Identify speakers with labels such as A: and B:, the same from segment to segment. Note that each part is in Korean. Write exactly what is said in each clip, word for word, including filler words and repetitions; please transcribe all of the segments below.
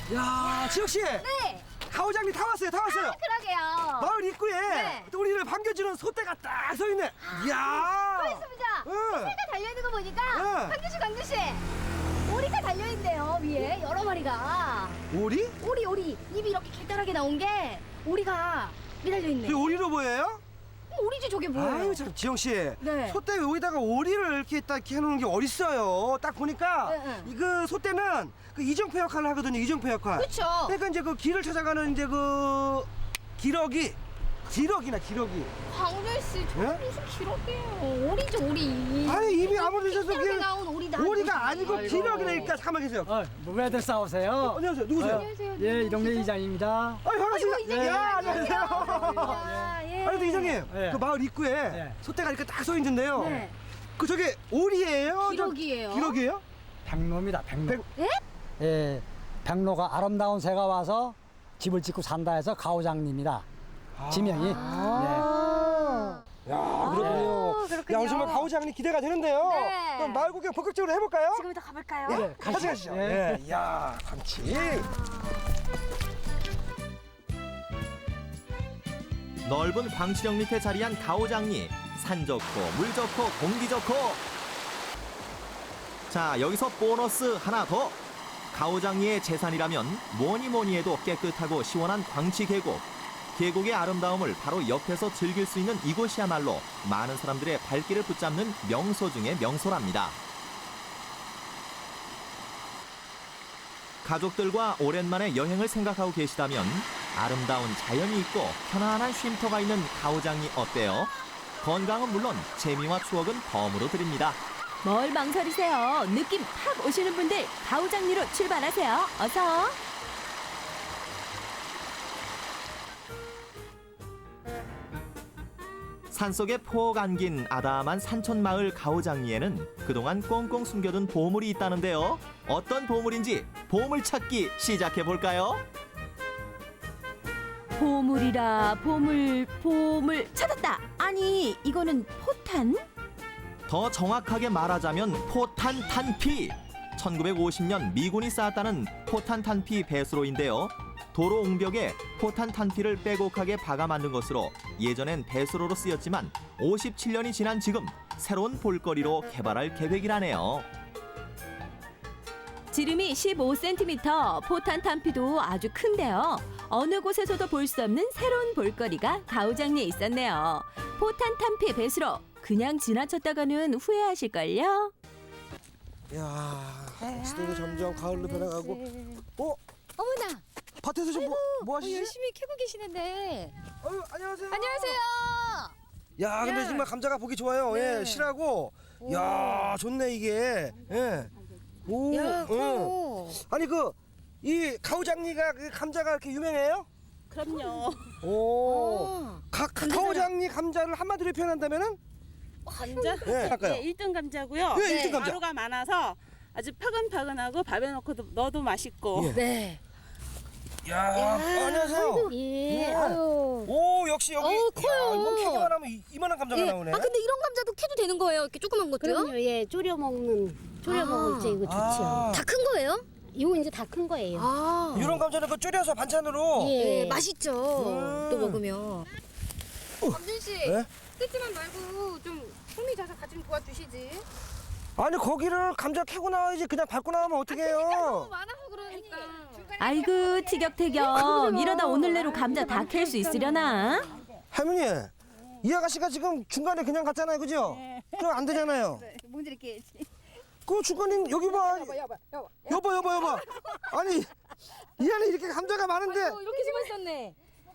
A: 야, 지혁 씨.
B: 네.
A: 가오장님 다 왔어요, 다 왔어요.
B: 아, 그러게요.
A: 마을 입구에
B: 네.
A: 또 우리를 반겨주는 소떼가 딱 서 있네. 이야.
B: 또 있습니다.
A: 응.
B: 새가 달려있는 거 보니까
A: 응.
B: 강규씨 강규씨 오리가 달려있네요. 위에 여러 마리가.
A: 오리?
B: 오리 오리 입이 이렇게 길다랗게 나온 게 오리가 매달려있네.
A: 이 오리로 보여요?
B: 오리지 저게 뭐예요?
A: 아유, 참 지영 씨.
B: 네.
A: 소떼 여기다가 오리를 이렇게 딱 이렇게 해놓은 게 어딨어요? 딱 보니까
B: 네, 네.
A: 이그 소떼는 그 이정표 역할을 하거든요. 이정표 역할.
B: 그쵸.
A: 그러니까 이제 그 길을 찾아가는 이제 그 기러기, 기러기나 기러기.
B: 강규씨 저
A: 예?
B: 무슨 기록이에요. 오리죠 오리.
A: 아니 입이 아무리 있어도
B: 길다랗게
A: 그
B: 나온 오리다.
A: 오리가 아니고
C: 아이고.
A: 기러기라니까. 잠깐만 계세요.
C: 어, 뭐 왜들 싸우세요?
A: 안녕하세요. 누구세요?
B: 안녕하세요.
C: 예, 이 동네 이장입니다.
A: 아이 반갑습니다.
B: 아이고, 이장님.
A: 야, 안녕하세요.
B: 아, 예.
A: 아니, 근데 이장님,
C: 예.
A: 그 마을 입구에
C: 예.
A: 소떼가 이렇게 딱 서 있는데요.
B: 네.
A: 그 저게 오리예요?
B: 기러기예요.
A: 저- 기러기예요?
C: 백로입니다, 백로.
A: 백-
B: 예?
C: 예, 백로가 아름다운 새가 와서 집을 짓고 산다 해서 가오장님이다. 지명이.
B: 아.
A: 야, 그렇군요.
B: 아, 그렇군요.
A: 야, 오늘 정말 가오장님 기대가 되는데요.
B: 네.
A: 그럼 마을 구경 본격적으로 해볼까요?
B: 지금부터 가볼까요?
A: 예, 같이 가시죠.
C: 예.
A: 예, 야, 감치.
D: 넓은 광시령 밑에 자리한 가오장리. 산 좋고 물 좋고 공기 좋고. 자, 여기서 보너스 하나 더. 가오장리의 재산이라면 뭐니 뭐니 해도 깨끗하고 시원한 광치 계곡. 계곡의 아름다움을 바로 옆에서 즐길 수 있는 이곳이야말로 많은 사람들의 발길을 붙잡는 명소 중의 명소랍니다. 가족들과 오랜만에 여행을 생각하고 계시다면 아름다운 자연이 있고 편안한 쉼터가 있는 가오장리 어때요? 건강은 물론 재미와 추억은 덤으로 드립니다.
E: 뭘 망설이세요? 느낌 팍 오시는 분들 가오장리로 출발하세요. 어서.
D: 산속에 폭 안긴 아담한 산촌마을 가오장리에는 그동안 꽁꽁 숨겨둔 보물이 있다는데요. 어떤 보물인지 보물 찾기 시작해 볼까요?
E: 보물이라 보물 보물 찾았다. 아니 이거는 포탄?
D: 더 정확하게 말하자면 포탄 탄피. 천구백오십 년 미군이 쌓았다는 포탄 탄피 배수로인데요. 도로 옹벽에 포탄 탄피를 빼곡하게 박아 만든 것으로 예전엔 배수로로 쓰였지만 오십칠 년이 지난 지금 새로운 볼거리로 개발할 계획이라네요.
E: 지름이 십오 센티미터, 포탄 탄피도 아주 큰데요. 어느 곳에서도 볼 수 없는 새로운 볼거리가 가오장리에 있었네요. 포탄 탄피 배수로 그냥 지나쳤다가는 후회하실걸요?
A: 야, 시대도 점점 가을로 변해가고. 어?
B: 어머나.
A: 밭에서 좀 뭐, 뭐
B: 어,
A: 하시지?
B: 열심히 캐고 계시는데.
A: 아유, 안녕하세요.
B: 안녕하세요.
A: 야, 근데
B: 야.
A: 정말 감자가 보기 좋아요.
B: 네.
A: 예, 실하고. 야, 좋네 이게. 예. 오.
B: 야,
A: 응.
B: 커.
A: 아니 그 이 가오장리가 그 감자가 그렇게 유명해요?
F: 그럼요.
A: 오.
B: 어.
A: 가, 가, 가오장리 감자를 한마디로 표현한다면은?
F: 감자?
A: 예, 할까요?
F: 네, 일 등 감자고요.
A: 예, 일 등 감자.
F: 가루가 많아서 아주 파근파근하고 밥에 넣고 넣어도 맛있고.
A: 예.
B: 네.
A: 야, 어, 안녕하세요.
B: 예.
A: 예.
B: 아유.
A: 오, 역시 여기.
B: 어우, 커요.
A: 야, 이거 캐기만 하면 이- 이만한 감자가
B: 예.
A: 나오네.
B: 아 근데 이런 감자도 캐도 되는 거예요? 이렇게 조그만 것도요?
G: 그럼요. 예, 졸여 먹는 졸여
B: 아.
G: 먹을 때 이거 좋죠.
A: 아.
B: 다 큰 거예요?
G: 이거 이제 다 큰 거예요.
B: 아.
A: 이런 감자는 그 졸여서 반찬으로.
B: 예,
G: 예.
B: 맛있죠.
A: 음.
B: 또 먹으면. 범준 씨,
A: 예?
B: 뜯지만 말고 좀 손이 자서 같이 좀 도와주시지.
A: 아니 거기를 감자 캐고 나와야지 그냥 밟고 나오면 어떡해요?
B: 너무 많아서 그러니까.
E: 아이고 티격태격. 이러다 오늘 내로 감자 다 캘 수 있으려나?
A: 할머니, 이 아가씨가 지금 중간에 그냥 갔잖아요, 그죠? 그럼 안 되잖아요.
B: 뭔지 이렇게.
A: 그 중간에 여기 봐.
B: 여봐, 여봐, 여봐.
A: 여보, 여보, 여보. 아니 이 안에 이렇게 감자가 많은데.
B: 이렇게 심어 있었네.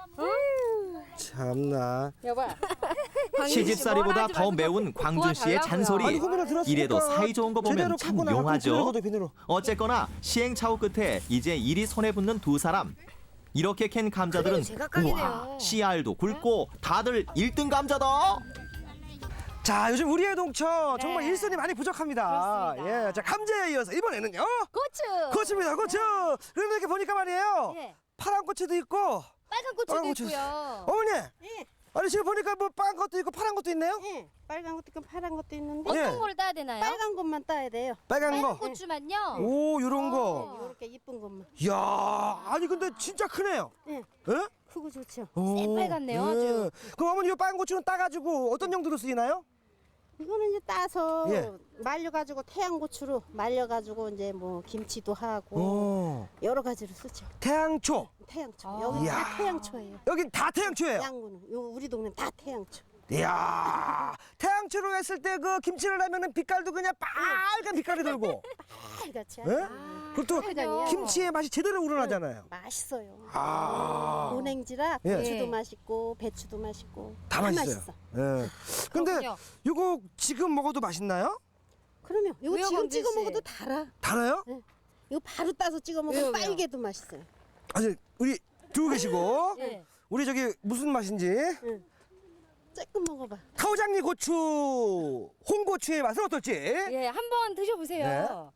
A: 참나.
B: 여봐.
D: 시집살이보다 더 매운 광준 씨의 잔소리.
A: 아니 그거나 들었으니까
D: 이래도 사이좋은 거 보면
A: 제대로
D: 참
A: 캐고 나가고
D: 용하죠.
A: 비늘거든, 비늘로.
D: 어쨌거나 시행착오 끝에 이제 일이 손에 붙는 두 사람. 이렇게 캔 감자들은
B: 그래요, 제각각이네요.
D: 우와, 씨알도 굵고 다들 일 등 감자다.
A: 자, 요즘 우리의 동처 정말
B: 네.
A: 일손이 많이 부족합니다.
B: 그렇습니다.
A: 예, 자 감자에 이어서 이번에는요.
B: 고추.
A: 고추입니다, 고추. 그런데 이렇게 보니까 말이에요.
B: 예.
A: 파란 고추도 있고.
B: 빨간 고추도
A: 빨간 고추.
B: 있고요.
A: 어머니. 아니 지금 보니까 뭐 빨간 것도 있고 파란 것도 있네요.
G: 예, 빨간 것도 있고 파란 것도 있는데
A: 예.
B: 어떤 거를 따야 되나요?
G: 빨간 것만 따야 돼요.
A: 빨간
B: 빨간
A: 거.
B: 고추만요.
A: 오 요런 거.
G: 이렇게 이쁜 것만.
A: 이야 아니 근데 진짜 크네요.
G: 예,
A: 예?
G: 크고 좋죠.
A: 오,
B: 새빨갛네요, 아주.
A: 그럼 어머니 이 빨간 고추는 따가지고 어떤 용도로 쓰이나요?
G: 이거는 이제 따서
A: 예.
G: 말려가지고 태양고추로 말려가지고 이제 뭐 김치도 하고
A: 오
G: 여러 가지로 쓰죠.
A: 태양초.
G: 태양초.
B: 아.
G: 여기
A: 이야.
G: 다 태양초예요.
A: 여긴 다 태양초예요.
G: 양구는 요 우리 동네 다 태양초.
A: 이야 태양초로 했을 때 그 김치를 하면은 빛깔도 그냥 빨간 빛깔이 돌고.
G: 빨갛지
A: 예?
G: 않아요?
A: 그리고
B: 그죠.
A: 또 김치의 맛이 제대로 우러나잖아요.
G: 맛있어요.
A: 아.
G: 고냉지라
A: 예.
G: 고추도
B: 예.
G: 맛있고 배추도 맛있고
A: 다 맛있어요.
G: 맛있어.
A: 예. 근데
B: 그렇군요.
A: 이거 지금 먹어도 맛있나요?
G: 그러면 이거
B: 왜요,
G: 지금
B: 광진
G: 찍어
B: 씨?
G: 먹어도 달아.
A: 달아요?
G: 이거 바로 따서 찍어
B: 왜요,
G: 먹으면
B: 왜요?
G: 빨개도 맛있어요.
A: 아니 우리 두고 계시고
B: 예.
A: 우리 저기 무슨 맛인지
G: 조금 먹어봐.
A: 카오장리 고추 홍고추의 맛은 어떨지?
B: 예, 한번 드셔보세요.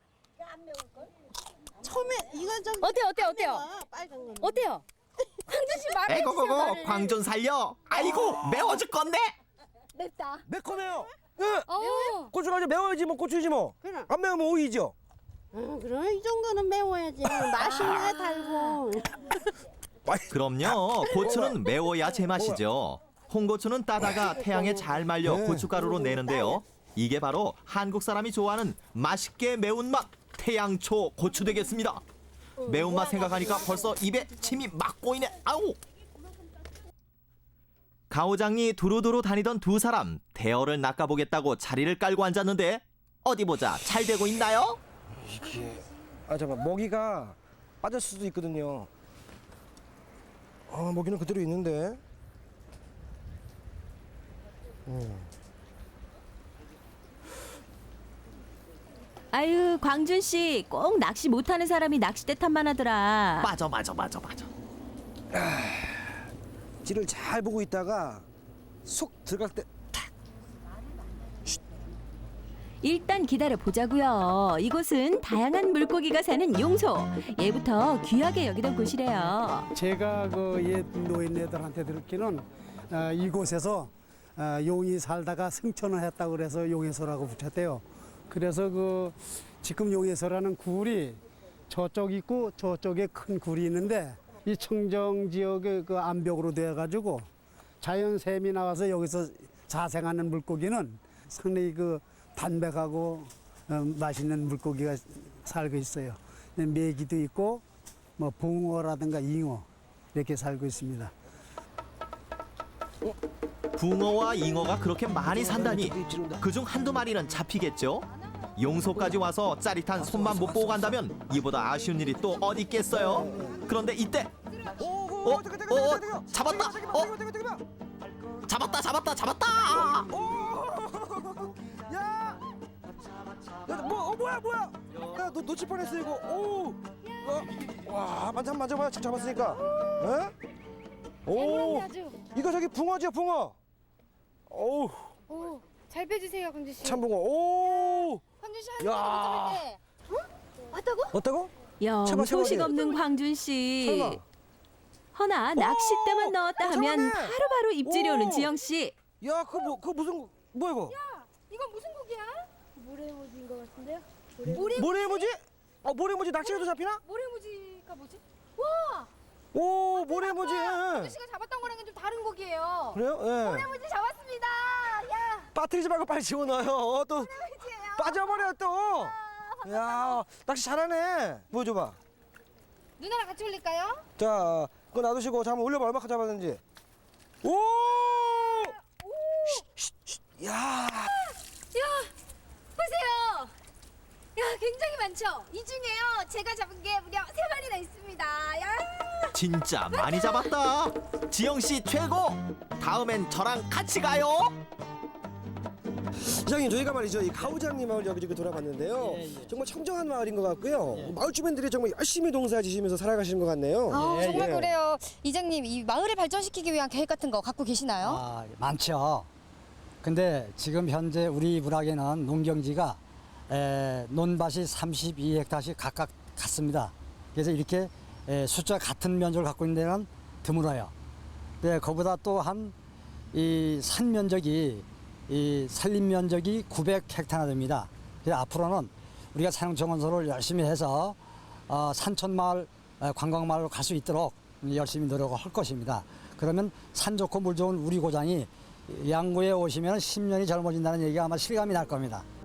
G: 처음에 이거 좀
B: 어때요, 어때요, 어때요?
G: 매워, 빨간 거는.
B: 어때요? 광준 씨 말해 주세요.
D: 에고고고
B: 말을.
D: 광준 살려. 아이고 매워 죽겠네.
B: 맵다.
A: 매콤해요. 예.
B: 어.
A: 고추가 이제 매워야지 뭐 고추지 뭐.
G: 그럼.
A: 안 매우면 오이죠.
G: 어, 그럼 이 정도는 매워야지. 맛있네 달고.
D: 그럼요. 고추는 매워야 제맛이죠. 홍고추는 따다가 태양에 잘 말려
A: 네.
D: 고춧가루로 내는데요. 이게 바로 한국 사람이 좋아하는 맛있게 매운맛 태양초 고추 되겠습니다. 매운맛 생각하니까 벌써 입에 침이 막 고이네. 아우. 가오장리 두루두루 다니던 두 사람 대어를 낚아보겠다고 자리를 깔고 앉았는데 어디 보자 잘 되고 있나요?
A: 이게 아 잠깐 먹이가 빠질 수도 있거든요. 아 먹이는 그대로 있는데. 음.
E: 아유, 광준 씨 꼭 낚시 못하는 사람이 낚싯대 탓만 하더라.
D: 맞아 맞아 맞아 맞아.
A: 찌를 잘 보고 있다가 속 들어갈 때
E: 일단 기다려 보자고요. 이곳은 다양한 물고기가 사는 용소. 예부터 귀하게 여기던 곳이래요.
C: 제가 그 옛 노인네들한테 들었기는 어, 이곳에서 어, 용이 살다가 승천을 했다고 그래서 용해소라고 붙였대요. 그래서 그 지금 용해소라는 굴이 저쪽 있고 저쪽에 큰 굴이 있는데 이 청정 지역의 그 암벽으로 되어 가지고 자연 샘이 나와서 여기서 자생하는 물고기는 상당히 그 담백하고 어, 맛있는 물고기가 살고 있어요. 메기도 있고 뭐 붕어라든가 잉어 이렇게 살고 있습니다.
D: 붕어와 잉어가 그렇게 많이 산다니 그중 한두 마리는 잡히겠죠? 용소까지 와서 짜릿한 손만 못 보고 간다면 이보다 아쉬운 일이 또 어디 있겠어요? 그런데 이때
A: 오,
D: 어?
A: 오,
D: 어? 어? 잡았다! 어? 잡았다 잡았다 잡았다!
A: 야! 야, 뭐, 어, 뭐야, 뭐야? 야, 너 놓칠 뻔했어, 이거. 오! 어? 와, 만져, 만져봐요. 잘 잡았으니까. 에? 오!
B: 아주.
A: 이거 저기 붕어죠, 붕어. 오,
B: 오, 잘 빼주세요, 광준 씨.
A: 참붕어. 오!
B: 광준 씨
A: 야.
B: 하는 때. 어? 왔다고?
A: 어따고?
E: 영
A: 제발, 제발,
E: 소식
A: 제발.
E: 없는 광준 씨.
A: 설마.
E: 허나 낚싯대만 넣었다
A: 어,
E: 하면
A: 잡았네.
E: 바로바로 입질이
A: 오.
E: 오는 지영 씨.
A: 야, 그거 뭐, 그거 무슨, 뭐야, 이거?
B: 이건 무슨 고기야? 모래모지인 것 같은데요? 모래
A: 모래모지? 어, 모래모지 낚시해도 잡히나?
B: 모래모지가 뭐지? 와,
A: 오, 모래모지.
B: 광준 씨가 잡았던 거랑은 좀 다른 고기예요.
A: 그래요? 예.
B: 모래모지 잡았습니다. 야,
A: 빠뜨리지 말고 빨리 집어넣어요. 어, 또
B: 모래모지예요.
A: 빠져버려, 또. 야, 낚시 잘하네. 보여줘봐.
B: 누나랑 같이 올릴까요?
A: 자, 그거 놔두시고 잠깐 올려봐. 얼마큼 잡았는지. 오! 쉿, 쉿, 쉿. 야,
B: 야, 보세요. 야, 굉장히 많죠? 이 중에요, 제가 잡은 게 무려 세 마리나 있습니다. 야,
D: 진짜 많이 잡았다. 지영 씨 최고. 다음엔 저랑 같이 가요.
A: 이장님 저희가 말이죠 이 가오장리 마을 여기저기 돌아봤는데요. 정말 청정한 마을인 것 같고요. 마을 주민들이 정말 열심히 농사지시면서 살아가시는 것 같네요.
B: 아,
A: 예,
B: 정말
A: 예.
B: 그래요. 이장님, 이 마을을 발전시키기 위한 계획 같은 거 갖고 계시나요?
C: 아, 많죠. 근데 지금 현재 우리 문학에는 농경지가 에, 논밭이 삼십이 헥타르씩 각각 같습니다. 그래서 이렇게 에, 숫자 같은 면적을 갖고 있는 데는 드물어요. 네, 그보다 또 한
H: 이 산 면적이 이 산림 면적이 구백 헥타나 됩니다. 그래서 앞으로는 우리가 산용청원소를 열심히 해서 어, 산촌마을 어, 관광마을로 갈 수 있도록 열심히 노력을 할 것입니다. 그러면 산 좋고 물 좋은 우리 고장이 양구에 오시면 십 년이 젊어진다는 얘기가 아마 실감이 날 겁니다.